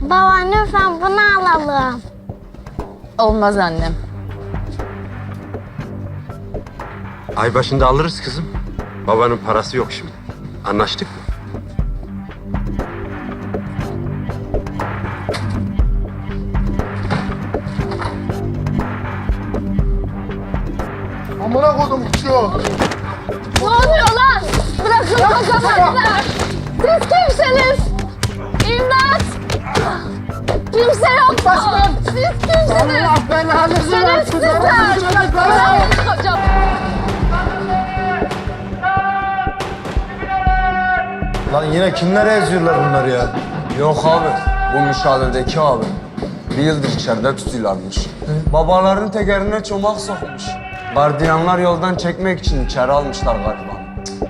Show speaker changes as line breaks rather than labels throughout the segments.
Baba lütfen bunu alalım.
Olmaz annem.
Ay başında alırız kızım. Babanın parası yok şimdi. Anlaştık mı?
Amına koydum şu.
Ne oluyor lan? Bırakın kazanlar. Siz kimsiniz? İmdat! Kimse yok mu? Siz kimsiniz?
Allah belanızı versin.
Şerefsizler! Bırakın kocam.
Lan yine kimlere eziyorlar bunları ya?
Yok abi, bu müşahededeki abi. Bir yıldır içeride tutuyorlarmış. Babaların tekerine çomak sokmuş. Gardiyanlar yoldan çekmek için içeri almışlar galiba.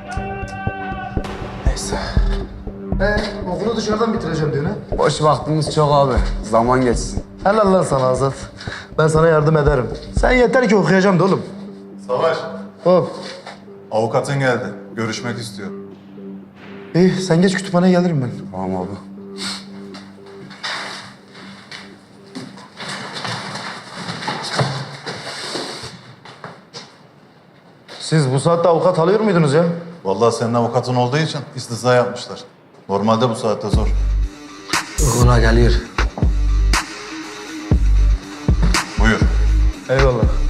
Neyse.
Okulu dışarıdan bitireceğim diyor ne?
Boş vaktimiz çok abi. Zaman geçsin.
Helal lan sana Azat. Ben sana yardım ederim. Sen yeter ki okuyacağım da oğlum.
Savaş,
Hop.
avukatın geldi. Görüşmek istiyor.
İyi sen geç kütüphaneye gelirim ben.
Tamam abi.
Siz bu saatte avukat alıyor muydunuz ya?
Vallahi senin avukatın olduğu için istisna yapmışlar. Normalde bu saatte zor.
Okula geliyor.
Buyur.
Eyvallah.